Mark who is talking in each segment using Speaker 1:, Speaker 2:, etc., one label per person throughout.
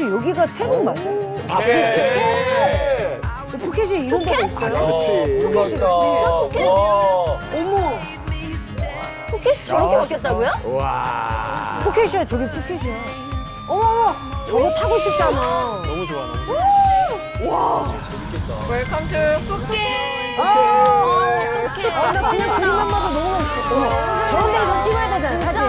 Speaker 1: 혹시 여기가 태국 맞아요? 푸켓이 이런 데가 있어요?
Speaker 2: 그렇지.
Speaker 1: 푸켓이
Speaker 3: 푸켓?
Speaker 1: 어머
Speaker 3: 푸켓이 저렇게 바뀌었다고요?
Speaker 2: 와.
Speaker 1: 푸켓이야 저기 푸켓이야. 어머 저거 타고 싶잖아.
Speaker 4: 너무 좋아, 너무 좋아.
Speaker 3: 웰컴 투 푸켓. 푸켓.
Speaker 1: 나 그냥 그림만 봐도 너무 멋있어. 저런 데서 찍어야 되잖아 사진.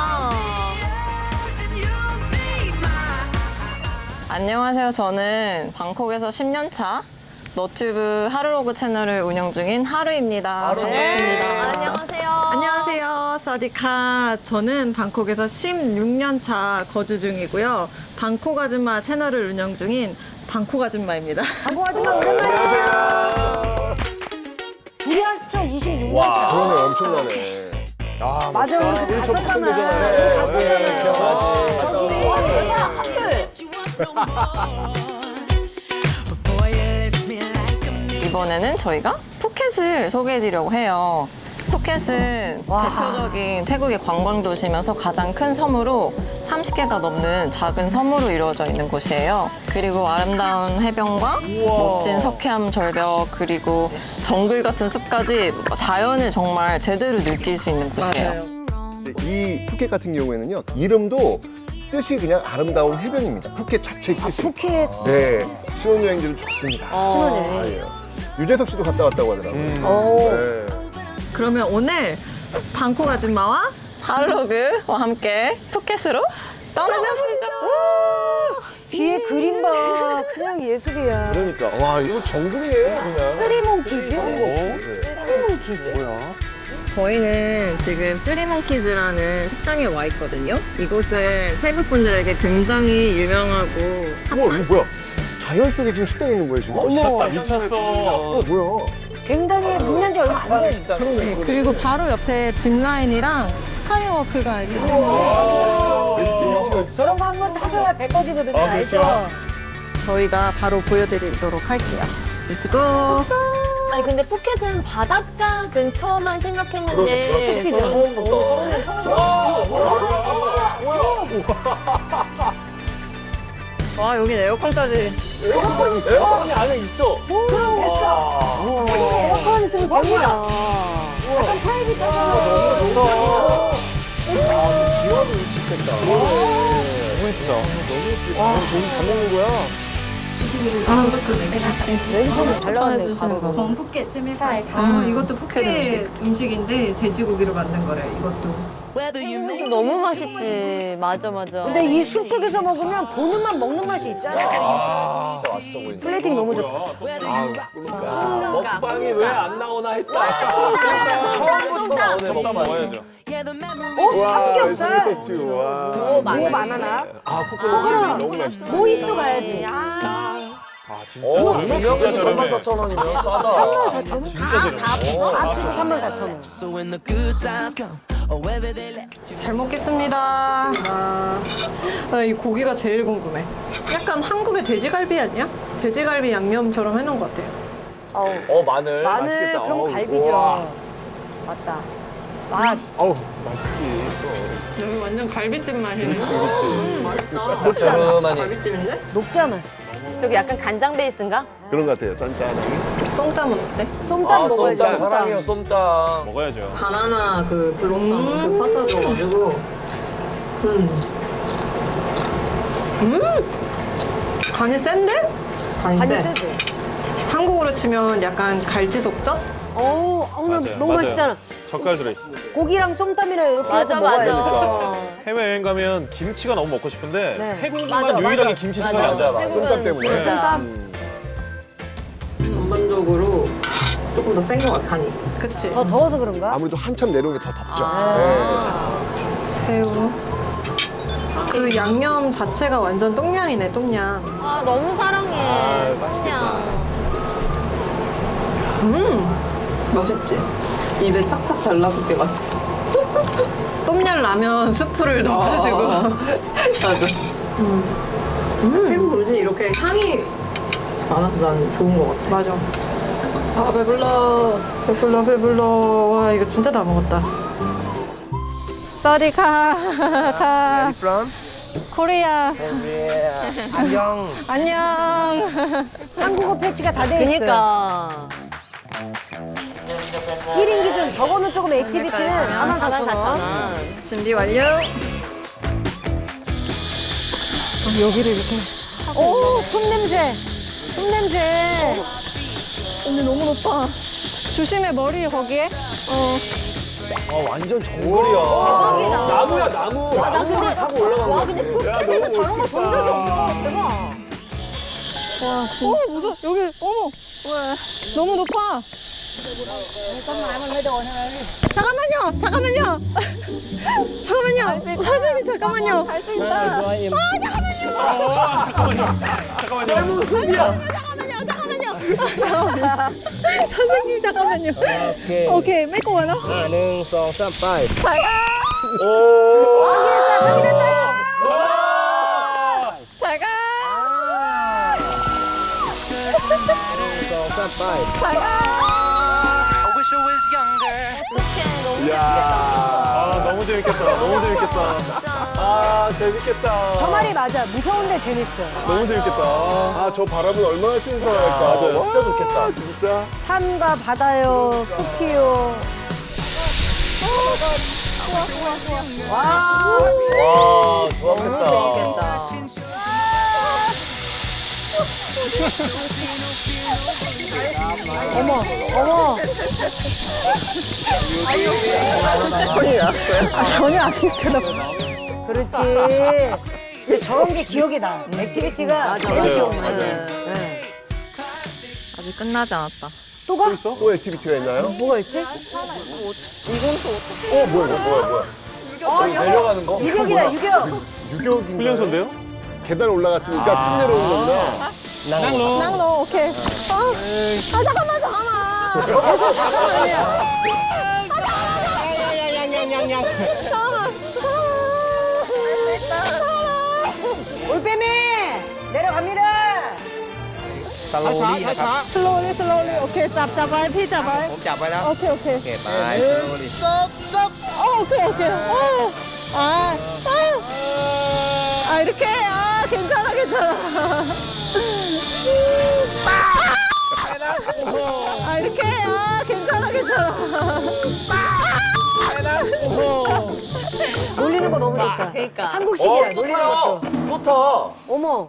Speaker 5: 안녕하세요. 저는 방콕에서 10년 차 너튜브 하루로그 채널을 운영 중인 하루입니다. 반갑습니다.
Speaker 3: 안녕하세요.
Speaker 6: 안녕하세요. 사디카. 저는 방콕에서 16년 차 거주 중이고요. 방콕 아줌마 채널을 운영 중인 방콕 아줌마입니다.
Speaker 1: 방콕 아줌마 오랜만이에요. 우리 합쳐 26년 차.
Speaker 2: 그러네, 엄청나네. 아,
Speaker 1: 맞아 우리
Speaker 2: 우리
Speaker 1: 그때
Speaker 2: 저
Speaker 1: 갔었잖아. 우리
Speaker 2: 네,
Speaker 1: 갔었잖아요.
Speaker 2: 기억나지.
Speaker 5: 이번에는 저희가 푸켓을 소개해드리려고 해요. 푸켓은 대표적인 태국의 관광 도시면서 가장 큰 섬으로 30개가 넘는 작은 섬으로 이루어져 있는 곳이에요. 그리고 아름다운 해변과 멋진 석회암 절벽 그리고 정글 같은 숲까지 자연을 정말 제대로 느낄 수 있는 곳이에요.
Speaker 2: 이 푸켓 같은 경우에는요, 이름도 뜻이 그냥 아름다운 해변입니다. 푸켓 자체의 뜻이.
Speaker 1: 푸켓.
Speaker 2: 네, 신혼여행지로 좋습니다.
Speaker 1: 신혼여행.
Speaker 2: 아, 예. 유재석 씨도 갔다 왔다고 하더라고요.
Speaker 1: 오.
Speaker 2: 네.
Speaker 6: 그러면 오늘 방콕 아줌마와
Speaker 5: 하루로그와 함께 푸켓으로 떠나보시죠.
Speaker 1: 뒤에 그림 봐. 그냥 예술이야.
Speaker 2: 그러니까 와 이거 정글이에요 그냥.
Speaker 1: 쓰리몽키즈?
Speaker 2: 뭐야?
Speaker 5: 저희는 지금 쓰리몽키즈라는 식당에 와 있거든요. 이곳은 태국 분들에게 굉장히 유명하고
Speaker 2: 우와 이거 뭐야? 자연 속에 지금 식당이 있는 거예요 지금?
Speaker 4: 미쳤어.
Speaker 2: 뭐야?
Speaker 1: 굉장히 문난 지 얼마 안 됐어.
Speaker 6: 그리고 바로 옆에 짚라인이랑 스카이워크가 있고
Speaker 1: 저런 거 한번 타줘야 배 꺼지거든요. 알죠?
Speaker 6: 저희가 바로 보여드리도록 할게요. 렛츠고!
Speaker 3: 아니 근데 푸켓은 바닷가 근처만 생각했는데
Speaker 5: 와 여기 에어컨까지.
Speaker 4: 에어컨이 안에 있어.
Speaker 1: 에어컨 지금 됩니다. 약간 타입이 작아.
Speaker 2: 기와도 미치겠다.
Speaker 4: 너무 예쁘다.
Speaker 2: 와 저기 밥 먹는 거야?
Speaker 1: 왼손을 잘 나왔네.
Speaker 6: 건 푸켓 채밀파이. 이것도 푸켓 음식인데 돼지고기로 만든 거래요. 이것도.
Speaker 3: 너무 맛있지. 맞아.
Speaker 1: 근데 이 숲속에서 먹으면 보는 맛 먹는 맛이 있잖아.
Speaker 2: 진짜 맛있어 보인다.
Speaker 1: 플레이팅 너무 좋다.
Speaker 4: 먹방이 왜 안 나오나 했다. 처음부터 나오네. 먹방 먹어야죠.
Speaker 1: 삼겹살.
Speaker 2: 소스튜. 와.
Speaker 1: 뭐 바나나.
Speaker 2: 아 코코넛 너무 맛있어.
Speaker 1: 모히또 가야지.
Speaker 4: 진짜 저렴해. 34,000원이면 싸다. 진짜 저렴해.
Speaker 1: 앞쪽도 34,000원.
Speaker 6: 잘 먹겠습니다. 이 고기가 제일 궁금해. 약간 한국의 돼지갈비 아니야? 돼지갈비 양념처럼 해놓은 것 같아요.
Speaker 4: 마늘.
Speaker 1: 마늘
Speaker 2: 맛있겠다.
Speaker 1: 그럼
Speaker 2: 어우,
Speaker 1: 갈비죠.
Speaker 2: 우와.
Speaker 1: 맞다. 맛.
Speaker 2: 어우 맛있지.
Speaker 6: 여기 완전 갈비집 맛이네.
Speaker 2: 그렇지.
Speaker 4: 저렴하니.
Speaker 5: 갈비찜인데?
Speaker 1: 녹잖아.
Speaker 3: 저기 약간 간장 베이스인가?
Speaker 2: 그런 것 같아요. 짠짠.
Speaker 6: 쏨땀은 어때?
Speaker 1: 쏨땀 먹어야지.
Speaker 4: 쏨땀 사랑해요, 쏨땀. 먹어야죠.
Speaker 5: 바나나 그 블로썸 그 파타 줘가지고
Speaker 6: 간이 센데?
Speaker 1: 간이
Speaker 5: 간세.
Speaker 1: 세지.
Speaker 6: 한국으로 치면 약간 갈치속젓?
Speaker 1: 어우, 오늘
Speaker 4: 맞아요,
Speaker 1: 너무
Speaker 4: 맞아요.
Speaker 1: 맛있잖아.
Speaker 4: 젓갈 들어있어.
Speaker 1: 고기랑 쏨땀이랑 이렇게 해서 먹어야 돼.
Speaker 4: 해외여행 가면 김치가 너무 먹고 싶은데
Speaker 1: 네.
Speaker 4: 태국만
Speaker 3: 맞아,
Speaker 4: 유일하게
Speaker 3: 맞아.
Speaker 4: 김치
Speaker 3: 맞아.
Speaker 4: 생각이 안 잡아.
Speaker 3: 태국은
Speaker 2: 쏨땀 때문에.
Speaker 3: 진짜.
Speaker 5: 전반적으로 조금 더 센 것 같아, 간이.
Speaker 6: 그치?
Speaker 1: 더 더워서 그런가?
Speaker 2: 아무래도 한참 내려온 게 더 덥죠.
Speaker 6: 새우. 그 양념 자체가 완전 똥냥이네, 똥냥.
Speaker 3: 아 너무 사랑해. 그냥.
Speaker 5: 맛있지? 입에 착착 달라붙게 맛있어.
Speaker 6: 똠양 라면 스프를 넣어가지고.
Speaker 5: 맞아. 태국 음식 이렇게 향이 많아서 난 좋은 것 같아.
Speaker 6: 맞아. 아, 배불러. 와, 이거 진짜 다 먹었다. 사디카.
Speaker 2: From?
Speaker 3: 코리아.
Speaker 7: 안녕.
Speaker 3: 안녕.
Speaker 1: 한국어 패치가 다 돼 있어요.
Speaker 3: 그니까.
Speaker 1: 1인 기준 저거는 조금 액티비티는 44,000원.
Speaker 5: 준비 완료.
Speaker 6: 여기를 이렇게.
Speaker 1: 오, 숨 냄새. 숨 냄새.
Speaker 6: 언니 너무 높아. 조심해, 머리 거기에.
Speaker 4: 아, 완전 정글이야.
Speaker 3: 대박이다.
Speaker 4: 나무야, 나무.
Speaker 3: 나
Speaker 4: 나무를
Speaker 3: 근데,
Speaker 4: 타고 올라간
Speaker 3: 와,
Speaker 4: 거야.
Speaker 3: 근데 푸켓에서 저런 걸 본 적이 없어. 대박.
Speaker 6: 무서워. 여기, 어머. 너무 높아. 잠깐만요. 잠깐만요. 잠깐만요. 선생님, 잠깐만요.
Speaker 3: 갈 수 있다.
Speaker 4: 너무 숨이야.
Speaker 6: 잠깐만요. 선생님, 잠깐만요. 오케이, 메고 와라.
Speaker 7: 하나, 둘, 셋, 넷.
Speaker 4: 오.
Speaker 5: 잘 가.
Speaker 4: 아, 너무 재밌겠다. 너무 재밌겠다. 아, 재밌겠다.
Speaker 1: 저 말이 맞아. 무서운데 재밌어.
Speaker 4: 너무 재밌겠다.
Speaker 2: 아, 저 바람은 얼마나 신선할까.
Speaker 4: 맞아요.
Speaker 2: 진짜 좋겠다. 진짜.
Speaker 1: 산과 바다요, 숲이요.
Speaker 4: 와, 좋았겠다.
Speaker 1: 어머, 어머. 전혀 안 힘들어. 그렇지. 근데 저런 게 기억이 나. 액티비티가 제일 기억나. 네.
Speaker 5: 아직 끝나지 않았다.
Speaker 1: 또 가?
Speaker 2: 또 액티비티가 있나요?
Speaker 1: 뭐가 있지?
Speaker 2: 뭐야.
Speaker 4: 내려가는 거?
Speaker 1: 유격이다, 유격.
Speaker 2: 유격인가요?
Speaker 4: 훈련소인데요?
Speaker 2: 계단 올라갔으니까 쭉 내려오는 거구나.
Speaker 6: 낭로, 오케이. 잠깐만.
Speaker 1: 올빼미 내려갑니다.
Speaker 6: 슬로우리. 오케이, 잡아요, 피 잡아요.
Speaker 7: ผมจับไว้แล้ว
Speaker 6: 오케이.
Speaker 7: โอเคไปslowly
Speaker 6: 오케이. 이렇게. 괜찮아. 이렇게. 괜찮아.
Speaker 1: 놀리는 거 너무 좋다.
Speaker 3: 그러니까.
Speaker 1: 한국식이야, 놀리는 것도.
Speaker 4: 또 타.
Speaker 1: 어머.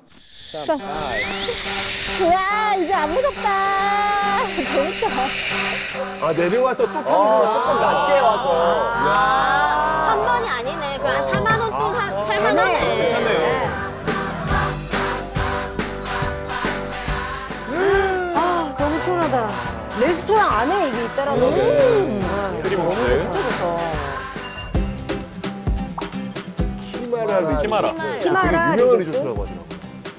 Speaker 6: 야, 이제 안 무섭다. 재밌다.
Speaker 2: 아, 내려와서 또 타는구나.
Speaker 4: 아, 조금 낮게 와서.
Speaker 3: 아, 한 번이 아니네. 그 한 4만 원 또 8만 원에.
Speaker 4: 괜찮네요.
Speaker 1: 아, 너무 시원하다. 레스토랑 안에 이게 있더라고.
Speaker 4: 쓰리 먹는데?
Speaker 2: 키마라 리조트.
Speaker 4: 키마라.
Speaker 1: 키마라
Speaker 2: 되게 유명한
Speaker 1: 리조트?
Speaker 2: 리조트라고 하더라고.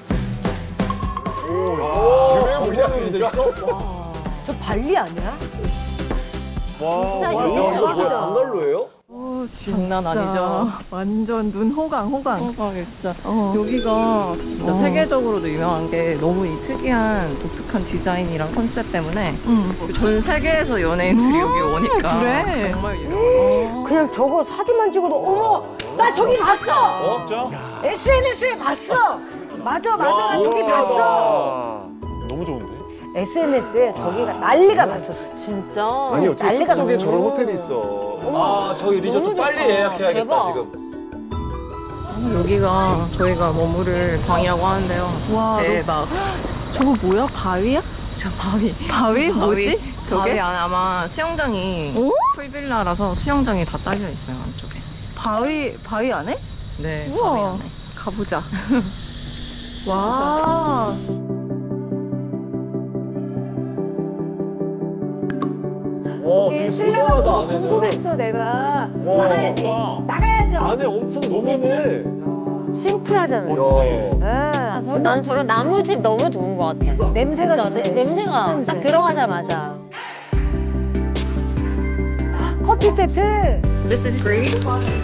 Speaker 2: 오, 유명해 보이지 않습니까?
Speaker 1: 저 발리 아니야?
Speaker 4: 와,
Speaker 3: 진짜
Speaker 4: 이거 뭐야?
Speaker 1: 대박이다.
Speaker 4: 방갈로예요?
Speaker 5: 장난 아니죠.
Speaker 6: 완전 눈 호강.
Speaker 5: 진짜 여기가 진짜 세계적으로도 유명한 게 너무 이 특이한 독특한 디자인이랑 컨셉 때문에 전 세계에서 연예인들이 여기 오니까
Speaker 6: 그래?
Speaker 5: 정말 유명해요.
Speaker 1: 그냥 저거 사진만 찍어도 어머, 나 저기 봤어.
Speaker 4: 진짜?
Speaker 1: SNS에 봤어. 맞아, 나 저기 봤어.
Speaker 4: 너무 좋은데?
Speaker 1: SNS에 저기가 난리가 났었어.
Speaker 3: 진짜.
Speaker 2: 아니, 어떻게
Speaker 1: 난리가
Speaker 2: 숲속에
Speaker 1: 났어.
Speaker 2: 저런 호텔이 있어.
Speaker 4: 아, 저기 리조트
Speaker 3: 너무
Speaker 4: 빨리
Speaker 3: 좋다.
Speaker 4: 예약해야겠다,
Speaker 3: 대박.
Speaker 4: 지금.
Speaker 5: 여기가 저희가 머무를 방이라고 하는데요.
Speaker 6: 와,
Speaker 5: 대박.
Speaker 6: 저거 뭐야? 바위야?
Speaker 5: 저 바위.
Speaker 6: 바위? 뭐지?
Speaker 5: 바위
Speaker 6: 저게?
Speaker 5: 안에 아마 수영장이
Speaker 6: 오?
Speaker 5: 풀빌라라서 수영장이 다 딸려 있어요 안쪽에.
Speaker 6: 바위 안에?
Speaker 5: 네,
Speaker 6: 우와.
Speaker 5: 바위 안에.
Speaker 6: 가보자. 와.
Speaker 4: 와, 되게 소중하다, 안에는.
Speaker 1: 궁금했어, 내가.
Speaker 4: 와,
Speaker 1: 나가야지.
Speaker 4: 와.
Speaker 1: 나가야죠.
Speaker 4: 안에 엄청 노면해.
Speaker 1: 심플하잖아요.
Speaker 4: 네.
Speaker 1: 네.
Speaker 3: 난 저런 나무집 너무 좋은 것 같아.
Speaker 1: 냄새가
Speaker 3: 진짜
Speaker 1: 좋대.
Speaker 3: 냄새가 딱 들어가자마자.
Speaker 1: 커피 세트.
Speaker 5: This is free.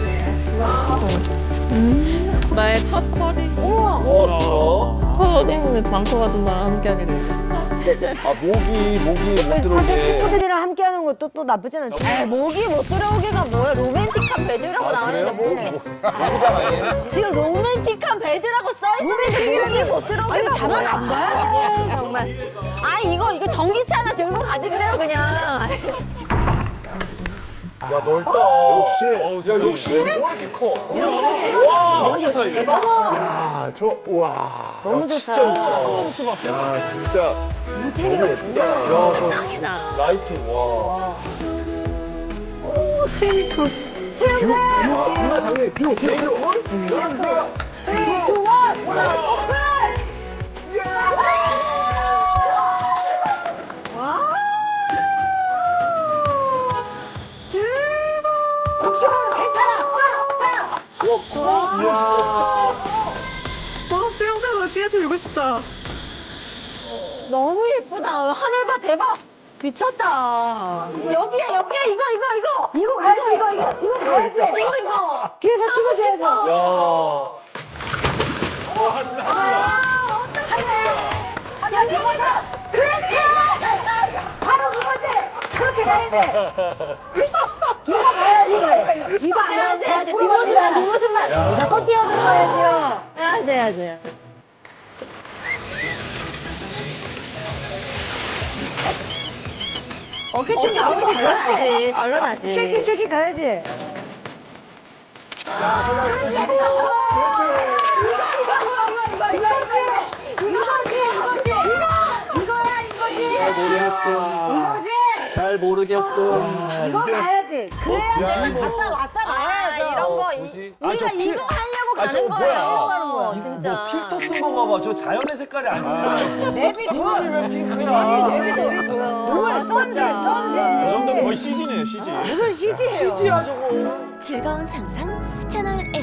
Speaker 5: 나의 첫 커리.
Speaker 4: 어,
Speaker 5: 첫 오늘 방콕 아줌마랑 함께하게 됐어요.
Speaker 4: 아 목이 못 들어오게.
Speaker 1: 친구들이랑 함께하는 것도 또 나쁘진 않지.
Speaker 3: 에이, 목이 못 들어오기가 뭐야. 로맨틱한 베드라고 나왔는데 목이. 지금 로맨틱한 베드라고 써있었는데 목이 못 들어오기가
Speaker 1: 아니, 자막 안
Speaker 3: 뭐야. 정말. 아 이거 전기차 하나 들고 가지 그래요 그냥.
Speaker 2: 야 넓다. 역시. 야 역시. 뭐 이렇게 커?
Speaker 4: 와 너무 좋다 이게.
Speaker 2: 야, 저 와. 너무 좋다. 진짜 좋다. 야, 진짜 너무 예쁘다. 야, 저 라이트 와. 오, 스위트. 정말 장난. 뷰.
Speaker 3: 너무 예쁘다. 하늘 봐 대박. 미쳤다. 여기야 이거 가야지 이거 가야지 이거
Speaker 1: 뒤에서 찍어줘야죠.
Speaker 3: 야 이거다 그렇지 바로 그거지 그렇게 가야지 이거 가야지 이거 안 해야지 뒷모습만 무조건 뛰어들어야지요 해야지 어깨춤이 너무 달라지 달라나지
Speaker 1: 쉐키 가야지.
Speaker 4: 잘 모르겠어.
Speaker 1: 이거 가야지. 그래야지. 갔다 왔다 가야죠.
Speaker 3: 이런 거
Speaker 4: 뭐지?
Speaker 3: 우리가
Speaker 4: 저
Speaker 3: 이거 하려고
Speaker 4: 아, 저거
Speaker 3: 가는 거예요
Speaker 4: 뭐야?
Speaker 3: 진짜
Speaker 4: 뭐 필터 쓴 건가 봐. 저 자연의 색깔이 아니야.
Speaker 1: 내비
Speaker 4: 그거이 왜 핑크야?
Speaker 3: 내비 뭐야
Speaker 1: 뭐야, 썸지.
Speaker 4: 저 정도면 거의 CG네요, CG.
Speaker 1: 무슨 CG예요?
Speaker 4: CG야 저거.
Speaker 8: 즐거운 상상 채널 A